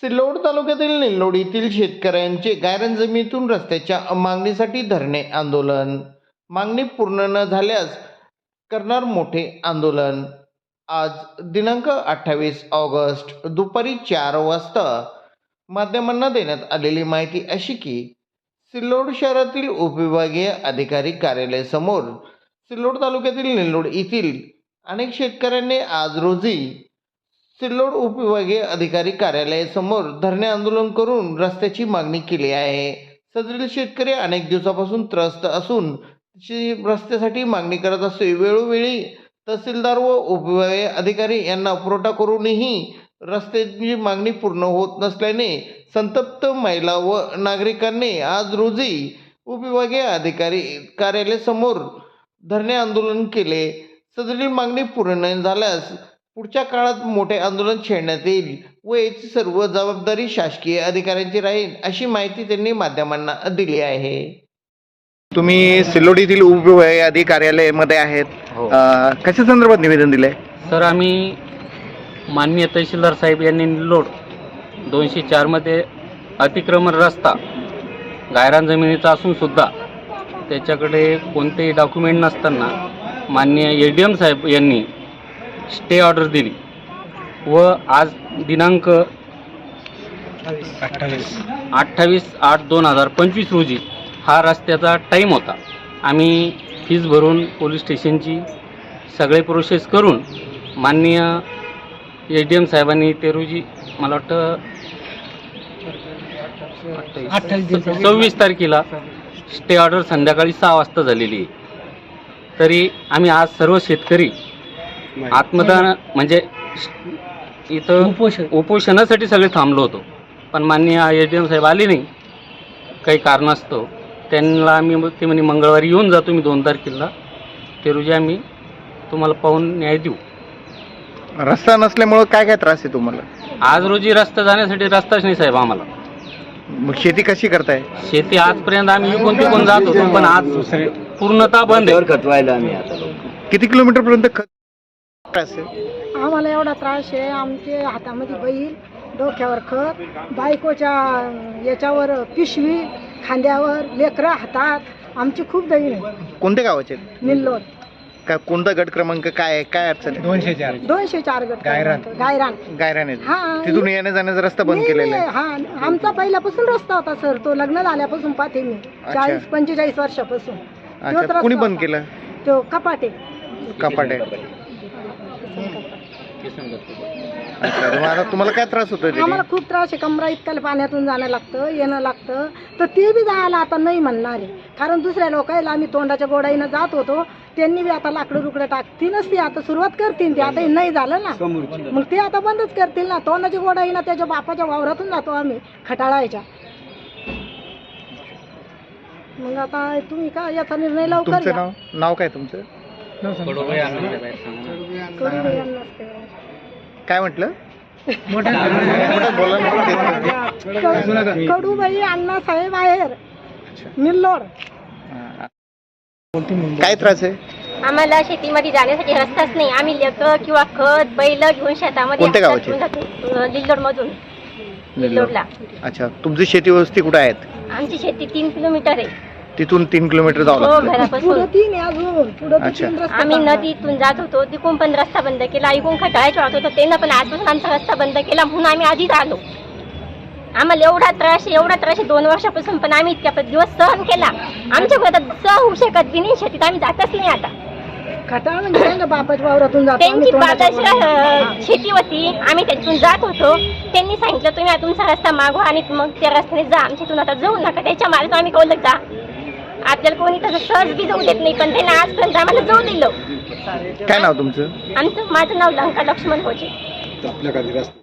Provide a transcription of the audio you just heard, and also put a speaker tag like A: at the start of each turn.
A: सिल्लोड तालुक्यातील निल्लोडीतील शेतकऱ्यांचे गायरान जमिनीतून रस्त्याच्या मागणीसाठी धरणे आंदोलन. मागणी पूर्ण न झाल्यास करणार मोठे आंदोलन. आज दिनांक 28 ऑगस्ट दुपारी 4 वाजता माध्यमांना देण्यात आलेली माहिती अशी की सिल्लोड शहरातील उपविभागीय अधिकारी कार्यालयासमोर सिल्लोड तालुक्यातील निल्लोड येथील अनेक शेतकऱ्यांनी आज रोजी सिल्लोड उपविभागीय अधिकारी कार्यालयासमोर धरणे आंदोलन करून रस्त्याची मागणी केली आहे. सदरील शेतकरी अनेक दिवसापासून त्रस्त असून रस्त्यासाठी मागणी करत असते. वेळोवेळी तहसीलदार व उपविभागीय अधिकारी यांना पुरवठा करूनही रस्त्याची मागणी पूर्ण होत नसल्याने संतप्त महिला व नागरिकांनी आज रोजी उपविभागीय अधिकारी कार्यालयासमोर धरणे आंदोलन केले. सदरील मागणी पूर्ण न झाल्यास पुढच्या काळात मोठे आंदोलन छेडण्यात येईल व याची सर्व जबाबदारी शासकीय अधिकाऱ्यांची राहील अशी माहिती त्यांनी माध्यमांना दिली आहे. तुम्ही सिल्लोड येथील उपविभागीय अधिकारी कार्यालयामध्ये आहेत. कशा संदर्भात निवेदन दिले?
B: सर, आम्ही माननीय तहसीलदार साहेब यांनी निल्लोड 204 मध्ये अतिक्रमण रस्ता गायरान जमिनीचा असून सुद्धा त्याच्याकडे कोणतेही डॉक्युमेंट नसताना माननीय ADM साहेब यांनी स्टे ऑर्डर दिली व आज दिनांक 28/8/2025 रोजी हा रस्त्याचा टाईम होता. आम्ही फीस भरून पोलीस स्टेशनची सगळे प्रोसेस करून माननीय ADM साहेबांनी ते रोजी मला वाटतं 26 तारखेला स्टे ऑर्डर संध्याकाळी 6 वाजता झालेली आहे. तरी आम्ही आज सर्व शेतकरी आत्मदान म्हणजे इथं उपोषणासाठी सगळे थांबलो होतो, पण माननीय ADM साहेब आले नाही काही कारणास्तव. त्यांना आम्ही ते म्हणे मंगळवारी येऊन जातो मी 2 तारखेला, ते रोजी आम्ही तुम्हाला पाहून न्याय देऊ.
A: रस्ता नसल्यामुळं काय काय त्रास आहे तुम्हाला?
B: आज रोजी रस्ता जाण्यासाठी रस्ताच नाही साहेब आम्हाला.
A: मग शेती कशी करताय?
B: शेती आजपर्यंत आम्ही इकून तिकून जात होतो, पण आज पूर्णतः बंद आहे.
C: खतवायला आम्ही आता
A: किती किलोमीटर पर्यंत
D: आम्हाला एवढा त्रास आहे. आमचे हातामध्ये बैल, डोक्यावर खत, बायकोच्या याच्यावर पिशवी, खांद्यावर लेकरं हातात. आमची खूप दळी आहे.
A: कोणत्या गावाचे?
D: निल्लोड.
A: काय कोणता गट क्रमांक काय काय अडचण आहे?
D: 204 गट गायरान. हा,
A: तिथून येण्या जाण्याचा रस्ता बंद केलेला आहे.
D: हा, आमचा पहिल्यापासून रस्ता होता सर. तो लग्न झाल्यापासून पाहते मी 40-45 वर्षापासून.
A: अच्छा, कोणी बंद केला?
D: तो कपाटे.
A: अच्छा, तुम्हाला काय त्रास होतोय?
D: आम्हाला खूप त्रास आहे. कमरा इतक्या पाण्यातून जाणं लागतं, येणं लागतं. तर ते बी जायला आता नाही म्हणणार आहे, कारण दुसऱ्या लोकांना आम्ही तोंडाच्या गोडाईनं जात होतो. त्यांनी बी आता लाकडं रुकडं टाकतील नसती, आता सुरुवात करतील. ते आता नाही झालं ना, मग ते आता बंदच करतील ना. तोंडाच्या गोडाईनं त्याच्या बापाच्या वावरातून जातो आम्ही खटाळायच्या. मग आता तुम्ही का याचा निर्णय लवकर घ्या.
A: नाव काय तुमचं? काय म्हटलं?
D: कडूबाई अण्णासाहेब आहेर, निल्लोड.
A: काय त्रास आहे?
E: आम्हाला शेतीमध्ये जाण्यासाठी रस्ताच नाही. आम्ही लेकरं किंवा खत बैल घेऊन शेतामध्ये निल्लोड मधून निल्लोडला.
A: अच्छा, तुमची शेती वस्ती कुठे आहेत?
E: आमची शेती 3 किलोमीटर आहे.
A: तिथून 3 किलोमीटर जावं लागतं
E: घरापासून.
A: अच्छा,
E: आम्ही नदीतून जात होतो, तिकून पण रस्ता बंद केला. ऐकून खटाळायच्या वाटत होतो त्यांना, पण आजपासून आमचा रस्ता बंद केला म्हणून आम्ही आधीच आलो. आम्हाला एवढा त्रास आहे 2 वर्षापासून, पण आम्ही इतक्या दिवस सहन केला. आमच्या घरात सहन होऊ शकत बी नाही. शेतीत आम्ही जातच नाही आता.
D: खटाळ म्हणजे बापाच्या वावरातून जातो.
E: त्यांची बापाची शेती होती, आम्ही त्यातून जात होतो. त्यांनी सांगितलं तुम्ही तुमचा रस्ता मागवा आणि मग त्या रस्त्याने जा, आमच्यातून आता जाऊ नका. त्याच्या मार्गात आम्ही कळलं जा. आपल्याला कोणी तसं सहज बी जाऊ देत नाही, पण त्यांना आजपर्यंत आम्हाला जाऊ दिलं.
A: काय नाव तुमचं?
E: माझं नाव लंका लक्ष्मण होते.